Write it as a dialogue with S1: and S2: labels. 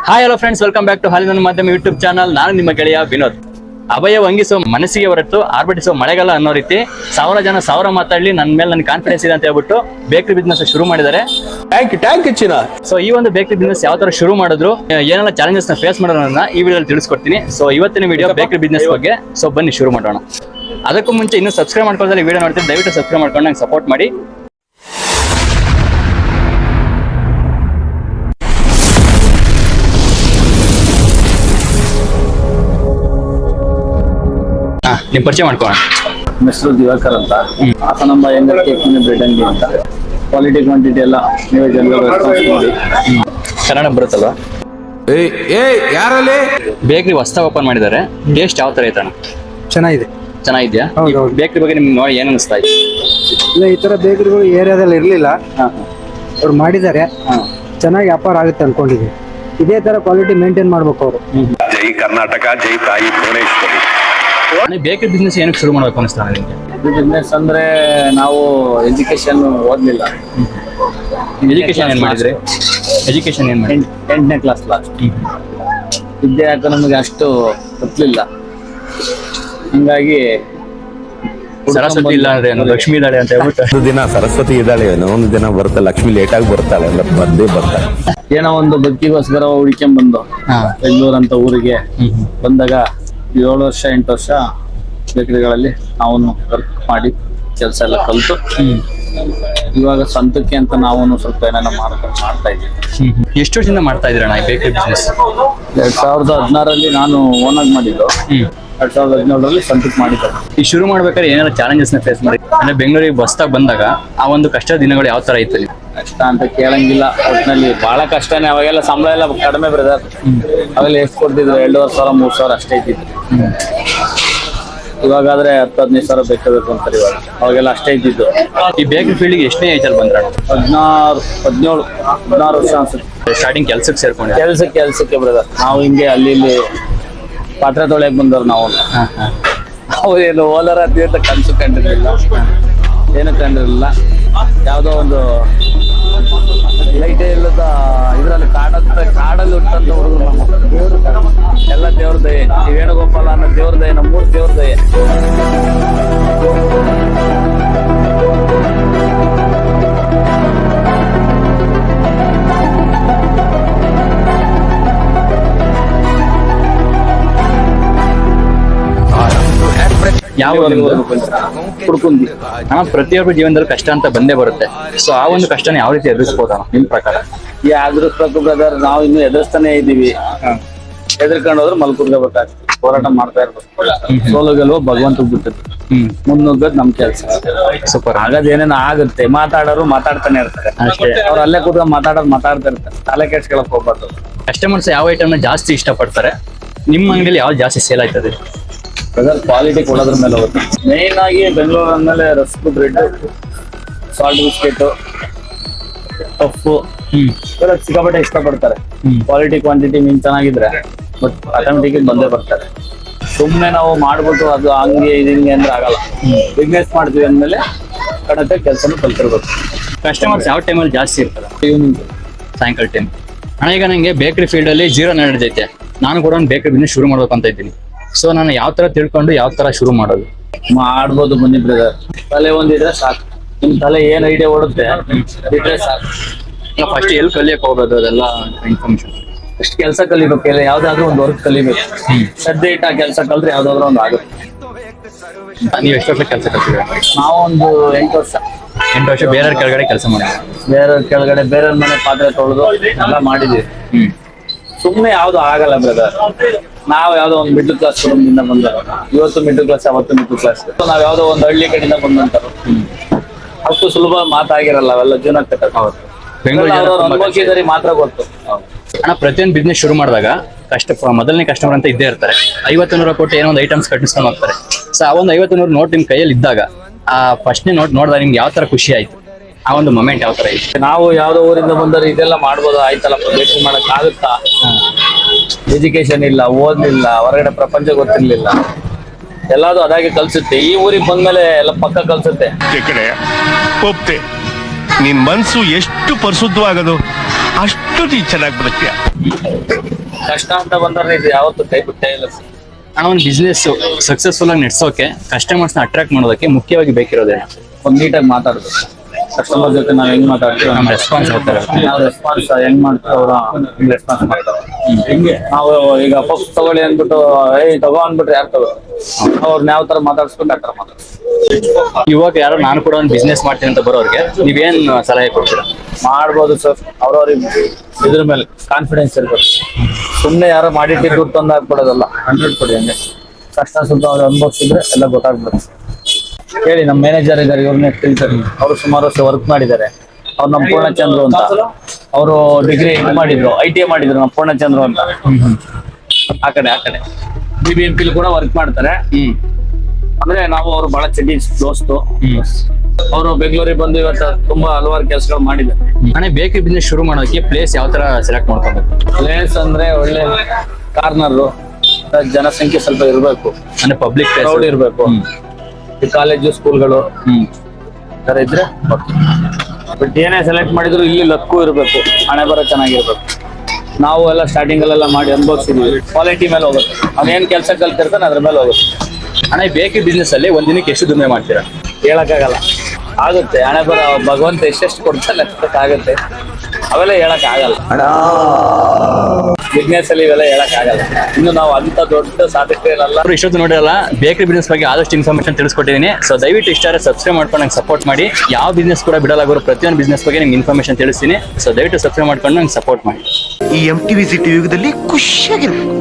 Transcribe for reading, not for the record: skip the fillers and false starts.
S1: Hi hello friends, welcome back to ಹಾಲಿನ ಮಾಧ್ಯಮ YouTube channel. ನಾನು ನಿಮ್ಮ ಗೆಳೆಯ ವಿನೋದ್. ಅಭಯ ವಂಗಿಸೋ ಮನಸ್ಸಿಗೆ ಹೊರತು ಆರ್ಭಟಿಸೋ ಮಳೆಗಾಲ ಅನ್ನೋ ರೀತಿ 1000 ಜನ 1000 ಮಾತಾಡ್ಲಿ ನನ್ನ ಮೇಲೆ ನನಗೆ ಕಾನ್ಫಿಡೆನ್ಸ್ ಇದೆ ಅಂತ ಹೇಳ್ಬಿಟ್ಟು ಬೇಕರಿ ಬಿಸ್ನೆಸ್ ಶುರು ಮಾಡಿದ್ದಾರೆ.
S2: ಟ್ಯಾಂಕ್ ಚಿನ್ನ.
S1: ಸೊ ಈ ಒಂದು ಬೇಕರಿ ಬಿಸ್ನೆಸ್ ಯಾವ ತರ ಶುರು ಮಾಡಿದ್ರು, ಏನೆಲ್ಲ ಚಾಲೆಂಜಸ್ ನ ಫೇಸ್ ಮಾಡೋಣ ಈ ವಿಡಿಯೋದಲ್ಲಿ ತಿಳಿಸ್ಕೊಡ್ತೀನಿ. ಸೊ ಇವತ್ತಿನ ವಿಡಿಯೋ ಬೇಕರಿ ಬಿಸ್ನೆಸ್ ಬಗ್ಗೆ. ಸೊ ಬನ್ನಿ ಶುರು ಮಾಡೋಣ. ಅದಕ್ಕೂ ಮುಂಚೆ ಇನ್ನೂ ಸಬ್ಸ್ಕ್ರೈಬ್ ಮಾಡ್ಕೊಳ್ಳೋದ್ರೆ ವಿಡಿಯೋ ನೋಡ್ತೀನಿ, ದಯವಿಟ್ಟು ಸಬ್ಸ್ಕ್ರೈಬ್ ಮಾಡ್ಕೊಂಡು ನಂಗೆ ಸಪೋರ್ಟ್ ಮಾಡಿ. ನಿಮ್ ಪರಿಚಯ ಮಾಡ್ಕೋಣ.
S3: ಹೆಸರು ದಿವಾಕರ್ ಅಂತ, ಹಾಸನಾಂಬ ಕೇಕ್ ಬ್ರೆಡ್ ಅಂಗಡಿ ಅಂತ. ಕ್ವಾಲಿಟಿ ಕ್ವಾಂಟಿಟಿ ಎಲ್ಲ ನೀವೇ ಜನರು ರೆಸ್ಪಾನ್ಸ್ ಮಾಡಿ.
S1: ಕನ್ನಡ ಬರುತ್ತಲ್ವಾ?
S2: ಯಾರಲ್ಲಿ
S1: ಬೇಕರಿ ಹೊಸದಾಗಿ ಓಪನ್ ಮಾಡಿದ್ದಾರೆ. ಟೇಸ್ಟ್ ಯಾವ ತರ ಐತಣ್ಣ? ಚೆನ್ನಾಗಿದ್ಯಾ? ಬೇಕರಿ ಬಗ್ಗೆ ನಿಮ್ಗೆ ನೋಡಿ ಏನ್ ಅನಿಸ್ತಾ ಇದೆ?
S4: ಇಲ್ಲ, ಈ ತರ ಬೇಕರಿಗಳು ಏರಿಯಾದಲ್ಲಿ ಇರ್ಲಿಲ್ಲ, ಅವ್ರು ಮಾಡಿದ್ದಾರೆ. ಚೆನ್ನಾಗಿ ವ್ಯಾಪಾರ ಆಗುತ್ತೆ ಅನ್ಕೊಂಡಿದ್ವಿ. ಇದೇ ತರ ಕ್ವಾಲಿಟಿ ಮೇಂಟೈನ್ ಮಾಡ್ಬೇಕು ಅವರು.
S5: ಜೈ ಕರ್ನಾಟಕ, ಜೈ ತಾಯಿ ಭುವನೇಶ್ವರಿ.
S1: ಬೇಕರಿ ಬಿಸ್ನೆಸ್ ಏನಕ್ಕೆ ಶುರು ಮಾಡ್ಬೇಕು ಅನಿಸ್ತಾ ನಿಮಗೆ?
S3: ಬಿಸ್ನೆಸ್ ಅಂದ್ರೆ ನಾವು ಎಜುಕೇಶನ್ ಓದ್ಲಿಲ್ಲ.
S1: ಎಜುಕೇಶನ್ ಏನ್ ಮಾಡಿದ್ರಿ? ಎಜುಕೇಶನ್ ಏನ್ ಮಾಡಿ?
S3: 8ನೇ ಕ್ಲಾಸ್ ಲಾಸ್ಟ್. ವಿದ್ಯೆ ಯಾಕೆ ನಮಗೆ ಅಷ್ಟು ಗೊತ್ತಿಲ್ಲ, ಹಂಗಾಗಿ
S1: ಸರಸ್ವತಿ ಇಲ್ಲ ಅಂದ್ರೆ ಲಕ್ಷ್ಮಿ ಇದ್ದಾಳೆ ಅಂತ ಹೇಳ್ಬಿಟ್ಟು.
S2: ಒಂದು ದಿನ ಸರಸ್ವತಿ ಇದ್ದಾಳೆ, ಒಂದು ದಿನ ಬರುತ್ತೆ ಲಕ್ಷ್ಮಿ, ಲೇಟ್ ಆಗಿ ಬರ್ತಾಳೆ, ಬಂದೇ ಬರ್ತಾಳೆ.
S3: ಏನೋ ಒಂದು ಬದುಕಿಗೋಸ್ಕರ ಹುಡ್ಕೊಂಡ್ ಬಂದು ಬೆಂಗಳೂರು ಅಂತ ಊರಿಗೆ ಬಂದಾಗ 7 ವರ್ಷ 8 ವರ್ಷ ಬೇಕರಿಗಳಲ್ಲಿ ನಾವು ವರ್ಕ್ ಮಾಡಿ ಕೆಲಸ ಎಲ್ಲ ಕಲಿತು ಇವಾಗ ಸ್ವಂತಕ್ಕೆ ಅಂತ ನಾವು ಸ್ವಲ್ಪ ಏನೇನೋ ಮಾಡ್ತಾ ಇದ್ದೀವಿ.
S1: ಎಷ್ಟು ವರ್ಷದಿಂದ ಮಾಡ್ತಾ ಇದ್ದೀರಣ್ಣ ಈ ಬೇಕರಿ ಬಿಸ್ನೆಸ್?
S3: 2016ರಲ್ಲಿ ನಾನು ಓನಾಗಿ ಮಾಡಿದ್ದು. 2017ರಲ್ಲಿ ಸ್ವಂತಕ್ಕೆ ಮಾಡಿದ್ದು.
S1: ಈ ಶುರು ಮಾಡ್ಬೇಕಾದ್ರೆ ಏನಾದ್ರು ಚಾಲೆಂಜಸ್ ನ ಫೇಸ್ ಮಾಡಿ ಅಂದ್ರೆ ಬೆಂಗಳೂರಿಗೆ ಬಸ್ತಾಗ ಬಂದಾಗ ಆ ಒಂದು ಕಷ್ಟ ದಿನಗಳು ಯಾವ ತರ ಇತ್ತು?
S3: ಕಷ್ಟ ಅಂತ ಕೇಳಂಗಿಲ್ಲ, ಒಟ್ಟಿನಲ್ಲಿ ಬಹಳ ಕಷ್ಟನೇ. ಅವಾಗೆಲ್ಲ ಸಂಬಳ ಎಲ್ಲ ಕಡಿಮೆ ಬ್ರದರ್. ಅವೆಲ್ಲ ಎಷ್ಟು ಕೊಡ್ತಿದ್ರು? 2,500 3,000 ಅಷ್ಟೇ ಇದ್ದಿತ್ತು. ಇವಾಗಾದ್ರೆ 10-15 ಸಾವಿರ ಬೇಕು ಅಂತಾರೆ. ಇವಾಗ ಅವಾಗೆಲ್ಲ ಅಷ್ಟೇ ಇದ್ದಿದ್ದು.
S1: ಈ ಬೇಕರಿ ಫೀಲ್ಡ್ಗೆ ಎಷ್ಟನೇ ಏಜಲ್ಲಿ ಬಂದ್ರ?
S3: 16 ವರ್ಷ ಅನ್ಸುತ್ತೆ.
S1: ಸ್ಟಾರ್ಟಿಂಗ್ ಕೆಲ್ಸಕ್ಕೆ ಸೇರ್ಕೊಂಡು
S3: ಕೆಲ್ಸಕ್ಕೆ ಬ್ರದರ್. ನಾವು ಹಿಂಗೆ ಅಲ್ಲಿ ಇಲ್ಲಿ ಪಾತ್ರೆ ತೊಳೆಯಕ್ ಬಂದವ್ರು ನಾವು. ಏನು ಓಲರ್ ಅಂತ ಕನ್ಸು ಕಂಡಿರ್ಲಿಲ್ಲ, ಏನು ಕಂಡಿರಲಿಲ್ಲ. ಯಾವುದೋ ಒಂದು ಲೈಟ್ ಇಲ್ಲದ ಇದರಲ್ಲಿ ಕಾಡಲ್ಲಿ ಹುಟ್ಟಂತ ಹುಡುಗರು ನಮ್ಮ. ಎಲ್ಲ ದೇವ್ರ ದಯೆ. ಈ ವೇಣುಗೋಪಾಲ ಅನ್ನೋ ದೇವ್ರ ದಯೆ, ನಮ್ಮ 3 ದೇವ್ರ ದಯೆ.
S1: ಯಾವ
S3: ಕುಡ್ಕುಂದಿ
S1: ಪ್ರತಿಯೊಬ್ಬರ ಜೀವನದಲ್ಲಿ ಕಷ್ಟ ಅಂತ ಬಂದೇ ಬರುತ್ತೆ. ಸೊ ಆ ಒಂದು ಕಷ್ಟನ ಯಾವ ರೀತಿ ಎದುರಿಸಬಹುದ ನಿಮ್ ಪ್ರಕಾರ?
S3: ಎದುರಿಸ್ಬೇಕು ಬ್ರದರ್. ನಾವು ಇನ್ನು ಎದುರಿಸ್ತಾನೆ ಇದ್ದೀವಿ. ಎದುರ್ಕೊಂಡು ಹೋದ್ರೆ ಮಲ್ಕುರ್ಬೇಕಾಗ್ತದೆ. ಹೋರಾಟ ಮಾಡ್ತಾ ಇರ್ಬೇಕು. ಸೋಲು ಗೆಲುವು ಭಗವಂತ ಬಿಟ್ಟಿದ್ದು. ಮುನ್ನುಗ್ಗದ್ ನಮ್ ಕೆಲ್ಸ.
S1: ಸೂಪರ್.
S3: ಆಗದ್ ಏನೇನೋ ಆಗುತ್ತೆ. ಮಾತಾಡೋರು ಮಾತಾಡ್ತಾನೆ ಇರ್ತಾರೆ ಅಷ್ಟೇ. ಅವ್ರು ಅಲ್ಲೇ ಕೂತ್ಕೊಂಡು ಮಾತಾಡ್ತಾ ಇರ್ತಾರೆ. ತಲೆ ಕೆಡ್ಸ್ಕೊಳಕ್ ಹೋಗ್ಬಾರ್ದು.
S1: ಕಸ್ಟಮರ್ಸ್ ಯಾವ ಐಟಮ್ ನ ಜಾಸ್ತಿ ಇಷ್ಟಪಡ್ತಾರೆ? ನಿಮ್ಮ ಅಂಗಡಿಯಲ್ಲಿ ಯಾವ್ದು ಜಾಸ್ತಿ ಸೇಲ್ ಆಯ್ತದೆ?
S3: ಬ್ರದರ್ ಕ್ವಾಲಿಟಿ ಕೊಡೋದ್ರ ಮೇಲೆ ಹೋಗುತ್ತೆ. ಮೇನ್ ಆಗಿ ಬೆಂಗಳೂರು ಅಂದ್ಮೇಲೆ rusk, bread, salt biscuit, puff ಇವೆಲ್ಲ ಸಿಕ್ಕಾಪಟ್ಟೆ ಇಷ್ಟಪಡ್ತಾರೆ. ಕ್ವಾಲಿಟಿ ಕ್ವಾಂಟಿಟಿ ಮೀನ್ ಚೆನ್ನಾಗಿದ್ರೆ ಬಟ್ ಆಟೋಮೆಟಿಕ್ ಬಂದೇ ಬರ್ತಾರೆ. ಸುಮ್ಮನೆ ನಾವು ಮಾಡ್ಬಿಟ್ಟು ಅದು ಹಂಗೆ ಹಿಂಗೆ ಅಂದ್ರೆ ಆಗಲ್ಲ. ಬಿಸ್ನೆಸ್ ಮಾಡ್ತೀವಿ ಅಂದ್ಮೇಲೆ ಕಡತೆ ಕೆಲಸನೂ ಕಲ್ತಿರ್ಬೇಕು.
S1: ಕಸ್ಟಮರ್ಸ್ ಯಾವ ಟೈಮಲ್ಲಿ ಜಾಸ್ತಿ ಇರ್ತಾರೆ?
S3: ಈವ್ನಿಂಗ್,
S1: ಸಾಯಂಕಾಲ ಟೈಮ್. ಅಣ್ಣ ಈಗ ನಂಗೆ ಬೇಕರಿ ಫೀಲ್ಡ್ ಅಲ್ಲಿ ಜೀರೋ ನಡೆದೈತೆ, ನಾನು ಕೂಡ ಒಂದು ಬೇಕರಿ ಬಿಸ್ನೆಸ್ ಶುರು ಮಾಡ್ಬೇಕು ಅಂತ ಇದ್ದೀನಿ. ಸೊ ನಾನು ಯಾವ ತರ ತಿಳ್ಕೊಂಡು ಯಾವ ತರ ಶುರು ಮಾಡೋದು?
S3: ಮಾಡ್ಬೋದು ಬನ್ನಿ ಬ್ರದರ್. ತಲೆ ಒಂದಿದ್ರೆ ಸಾಕು. ನಿಮ್ ತಲೆ ಏನ್ ಐಡಿಯಾ ಓಡುತ್ತೆ ಇದ್ರೆ ಸಾಕು.
S1: ಫಸ್ಟ್ ಎಲ್ಲಿ ಕಲಿಯಕ್ ಹೋಗೋದು ಅದೆಲ್ಲ ಇನ್ಫಾರ್ಮೇಶನ್.
S3: ಎಷ್ಟು ಕೆಲಸ ಕಲಿಬೇಕು, ಯಾವ್ದಾದ್ರು ಒಂದು ವರ್ಕ್ ಕಲಿಬೇಕು. ಶ್ರದ್ಧೆ ಇಟ್ಟ ಕೆಲಸ ಕಲ್ತ್ರೆ ಯಾವ್ದಾದ್ರು ಒಂದು ಆಗುತ್ತೆ.
S1: ನೀವು ಎಷ್ಟು ವರ್ಷ ಕೆಲಸ ಕಲ್ತಿದ್ದೀರಾ?
S3: ನಾವು ಒಂದು 8 ವರ್ಷ.
S1: 8 ವರ್ಷ ಬೇರೆಯವ್ರ ಕೆಳಗಡೆ ಕೆಲಸ ಮಾಡಿದ್ವಿ.
S3: ಬೇರೆಯವ್ರ ಕೆಳಗಡೆ ಬೇರೆಯವ್ರ ಮನೆ ಪಾತ್ರೆ ತೊಳೆದು ಎಲ್ಲ ಮಾಡಿದ್ವಿ. ಸುಮ್ನೆ ಯಾವ್ದು ಆಗಲ್ಲ ಬ್ರದರ್. ನಾವ್ ಯಾವ್ದೋ ಒಂದು ಮಿಡ್ಲ್ ಕ್ಲಾಸ್ ಕುಟುಂಬದಿಂದ ಬಂದವರು. ಇವತ್ತು ಮಿಡ್ಲ್ ಕ್ಲಾಸ್, ಅವತ್ತು ಮಿಡ್ಲ್ ಕ್ಲಾಸ್. ನಾವ್ ಯಾವ್ದೋ ಒಂದು ಹಳ್ಳಿ ಕಡೆಯಿಂದ ಬಂದಂತರು. ಅಷ್ಟು ಸುಲಭ ಮಾತಾಗಿರಲ್ಲ ಅವೆಲ್ಲ ಜೀವನ ಕಟ್ಟಕ್.
S1: ಬೆಂಗಳೂರು
S3: ಅನುಭವಿಸಿದರೆ ಮಾತ್ರ ಗೊತ್ತು.
S1: ಅಣ್ಣ ಪ್ರತಿಯೊಂದು ಬಿಸ್ನೆಸ್ ಶುರು ಮಾಡಿದಾಗ ಮೊದಲನೇ ಕಸ್ಟಮರ್ ಅಂತ ಇದ್ದೇ ಇರ್ತಾರೆ. 50-100 ಕೊಟ್ಟು ಏನೋ ಒಂದು ಐಟಮ್ಸ್ ಕಟ್ಟಿಸ್ಕೊಂಡು ಹೋಗ್ತಾರೆ. ಸೊ ಆ ಒಂದು 50-100 ನೋಟ್ ನಿಮ್ ಕೈಯಲ್ಲಿ ಇದ್ದಾಗ ಆ ಫಸ್ಟ್ನೇ ನೋಟ್ ನೋಡಿದಾಗ ನಿಮ್ಗೆ ಯಾವ ತರ ಖುಷಿ ಆಯ್ತು? ಆ ಒಂದು ಮೊಮೆಂಟ್ ಯಾವ ತರ ಇತ್ತು?
S3: ನಾವು ಯಾವ್ದೋ ಊರಿಂದ ಬಂದರೆ ಇದೆಲ್ಲ ಮಾಡ್ಬೋದು, ಆಯ್ತಲ್ಲಪ್ಪ ಬೇಕರಿ ಮಾಡಕ್ ಆಗುತ್ತಾ? ಎಜುಕೇಶನ್ ಇಲ್ಲ, ಓದ್ಲಿಲ್ಲ, ಹೊರಗಡೆ ಪ್ರಪಂಚ ಗೊತ್ತಿರ್ಲಿಲ್ಲ. ಎಲ್ಲಾದು ಅದಾಗಿ ಕಲ್ಸುತ್ತೆ. ಈ ಊರಿಗೆ ಬಂದ್ಮೇಲೆ ಎಲ್ಲ ಪಕ್ಕ ಕಲ್ಸುತ್ತೆ.
S5: ಒಪ್ತೆ ನಿನ್ ಮನ್ಸು ಎಷ್ಟು ಪರಿಶುದ್ಧವಾಗದು ಅಷ್ಟು ನೀ ಚೆನ್ನಾಗಿ ಬರುತ್ತೀಯ.
S3: ಕಷ್ಟ ಅಂತ ಬಂದ್ರೆ ಇದು ಯಾವತ್ತು ಕೈ ಬಿಟ್ಟೇ ಇಲ್ಲ ಸರ್.
S1: ಅಣ್ಣ ಒಂದು ಬಿಸ್ನೆಸ್ ಸಕ್ಸಸ್ಫುಲ್ ಆಗಿ ನಡೆಸೋಕೆ ಕಸ್ಟಮರ್ಸ್ ನ ಅಟ್ರಾಕ್ಟ್ ಮಾಡೋದಕ್ಕೆ ಮುಖ್ಯವಾಗಿ ಬೇಕಿರೋದೇನು?
S3: ಒಂದ್ ನೀಟಾಗಿ ಮಾತಾಡೋದು, ಕಸ್ಟಮರ್ ಜೊತೆ ನಾವ್ ಹೆಂಗ್ ಮಾತಾಡ್ತೀವಿ,
S1: ನಮ್ಮ ರೆಸ್ಪಾನ್ಸ್ ಹೋಗ್ತಾರೆ.
S3: ನಾವು ರೆಸ್ಪಾನ್ಸ್ ಹೆಂಗ್ ಮಾಡ್ತೀವಿ ಅವ್ರ ರೆಸ್ಪಾನ್ಸ್ ಮಾಡ್ತಾರೆ. ಹಿಂಗೆ ನಾವು ಈಗ ಪಪ್ಸ್ ತಗೊಳ್ಳಿ ಅಂದ್ಬಿಟ್ಟು ತಗೋ ಅಂದ್ಬಿಟ್ರೆ ಯಾರು ತಗೋ, ಅವ್ರನ್ನ ಯಾವ ತರ ಮಾತಾಡ್ಸ್ಬೇಕು ಆ ತರ ಮಾತಾಡ್ತೀವಿ.
S1: ಇವಾಗ ಯಾರೋ ನಾನು ಕೂಡ ಒಂದು ಬಿಸ್ನೆಸ್ ಮಾಡ್ತೀನಿ ಅಂತ ಬರೋರಿಗೆ ನೀವೇನ್ ಸಲಹೆ ಕೊಡ್ತೀರಾ?
S3: ಮಾಡ್ಬೋದು ಸರ್, ಅವ್ರವ್ರಿಗೆ ಇದ್ರ ಮೇಲೆ ಕಾನ್ಫಿಡೆನ್ಸ್ ಇರ್ಬೇಕು. ಸುಮ್ನೆ ಯಾರೋ ಮಾಡಿಟ್ಟು ದುಡ್ಡು ತಂದು ಹಾಕ್ಬಿಡೋದಲ್ಲ, 100 ಕೊಡಿ ಹಂಗೆ ಕಷ್ಟ ಸುತ್ತ ಅವ್ರು ಅನುಭವಿಸಿದ್ರೆ ಎಲ್ಲ ಗೊತ್ತಾಗ್ಬಿಡುತ್ತೆ. ಹೇಳಿ, ನಮ್ಮ ಮ್ಯಾನೇಜರ್ ಇದ್ದಾರೆ, ಇವ್ರನ್ನೇ ತಿಳಿತಾರೆ. ಅವರು ಸುಮಾರು ವರ್ಷ ವರ್ಕ್ ಮಾಡಿದ್ದಾರೆ. ಅವ್ರು ನಮ್ಮ ಪೂರ್ಣಚಂದ್ರು ಅಂತ, ಅವರು ಡಿಗ್ರಿ ಇದು ಮಾಡಿದ್ರು, ITI ಮಾಡಿದ್ರು, ನಮ್ಮ ಪೂರ್ಣಚಂದ್ರು ಅಂತ. ಆ ಕಡೆ BBMP ಕೂಡ ವರ್ಕ್ ಮಾಡ್ತಾರೆ. ಅಂದ್ರೆ ನಾವು ಅವ್ರು ಬಹಳ ಚಡ್ಡಿ ದೋಸ್ತು. ಅವರು ಬೆಂಗಳೂರಿಗೆ ಬಂದು ಇವತ್ತು ತುಂಬಾ ಹಲವಾರು ಕೆಲಸಗಳು ಮಾಡಿದ್ದಾರೆ.
S1: ಅಣ್ಣ ಬೇಕರಿ ಬಿಸ್ನೆಸ್ ಶುರು ಮಾಡೋದಕ್ಕೆ ಪ್ಲೇಸ್ ಯಾವ ತರ ಸೆಲೆಕ್ಟ್ ಮಾಡ್ಕೊಬೇಕು?
S3: ಪ್ಲೇಸ್ ಅಂದ್ರೆ ಒಳ್ಳೆ ಕಾರ್ನರ್, ಜನಸಂಖ್ಯೆ ಸ್ವಲ್ಪ ಇರ್ಬೇಕು,
S1: ಅಂದ್ರೆ ಪಬ್ಲಿಕ್
S3: ಕ್ರೌಡ್ ಇರ್ಬೇಕು. ಈ ಕಾಲೇಜು ಸ್ಕೂಲ್ಗಳು ತರ ಇದ್ರೆ ಬಟ್ ಏನೇ ಸೆಲೆಕ್ಟ್ ಮಾಡಿದ್ರು ಇಲ್ಲಿ ಲಕ್ಕು ಇರ್ಬೇಕು, ಹಣೆ ಬರ ಚೆನ್ನಾಗಿರ್ಬೇಕು. ನಾವು ಎಲ್ಲ ಸ್ಟಾರ್ಟಿಂಗ್ ಅಲ್ಲೆಲ್ಲ ಮಾಡಿ ಅನುಭವಿಸಿದ್ವಿ. ಕ್ವಾಲಿಟಿ ಮೇಲೆ ಹೋಗುತ್ತೆ, ಅದೇನ್ ಕೆಲಸ ಕಲ್ತಿರ್ತಾನೆ ಅದ್ರ ಮೇಲೆ ಹೋಗುತ್ತೆ.
S1: ಅಣ್ಣ ಬೇಕರಿ ಬಿಸ್ನೆಸ್ ಅಲ್ಲಿ ಒಂದ್ ದಿನಕ್ಕೆ ಎಷ್ಟು ದುಡಿಮೆ ಮಾಡ್ತೀರಾ?
S3: ಹೇಳಕ್ಕಾಗಲ್ಲ, ಆಗುತ್ತೆ ಹಣೆ ಬರ, ಭಗವಂತ ಎಷ್ಟೆಷ್ಟು ಕೊಡ್ತಾನೆ ಆಗುತ್ತೆ. ಅವೆಲ್ಲ ಹೇಳಕ್ ಆಗಲ್ಲ ಬಿಸ್ನೆಸ್ ಅಲ್ಲಿ, ಇವೆಲ್ಲ ಹೇಳಕ್ ಆಗಲ್ಲ. ಇನ್ನು ನಾವು ಅಂತ ದೊಡ್ಡ ಸಾಧಕರಲ್ಲ.
S1: ಇಷ್ಟೊತ್ತು ನೋಡಿರಲ್ಲ, ಬೇಕರಿ ಬಿಸ್ನೆಸ್ ಬಗ್ಗೆ ಆದಷ್ಟು ಇನ್ಫಾರ್ಮೇಶನ್ ತಿಳಿಸ್ಕೊಟ್ಟಿದ್ದೀನಿ. ಸೊ ದಯವಿಟ್ಟು ಇಷ್ಟ ಸಬ್ಸ್ಕ್ರೈಬ್ ಮಾಡ್ಕೊಂಡು ನಂಗೆ ಸಪೋರ್ಟ್ ಮಾಡಿ. ಯಾವ ಬಿಸ್ನೆಸ್ ಕೂಡ ಬಿಡಲಾಗಿರೋ ಪ್ರತಿಯೊಂದು ಬಿಸ್ನೆಸ್ ಬಗ್ಗೆ ನಿಮ್ಗೆ ಇನ್ಫಾರ್ಮೇಶನ್ ತಿಳಿಸ್ತೀನಿ. ಸೊ ದಯವಿಟ್ಟು ಸಬ್ಸ್ಕ್ರೈಬ್ ಮಾಡ್ಕೊಂಡು ನಂಗೆ ಸಪೋರ್ಟ್ ಮಾಡಿ.
S6: ಈ MTV ಸಿಟಿ ಯುಗದಲ್ಲಿ ಖುಷಿಯಾಗಿರ್ಬೇಕು.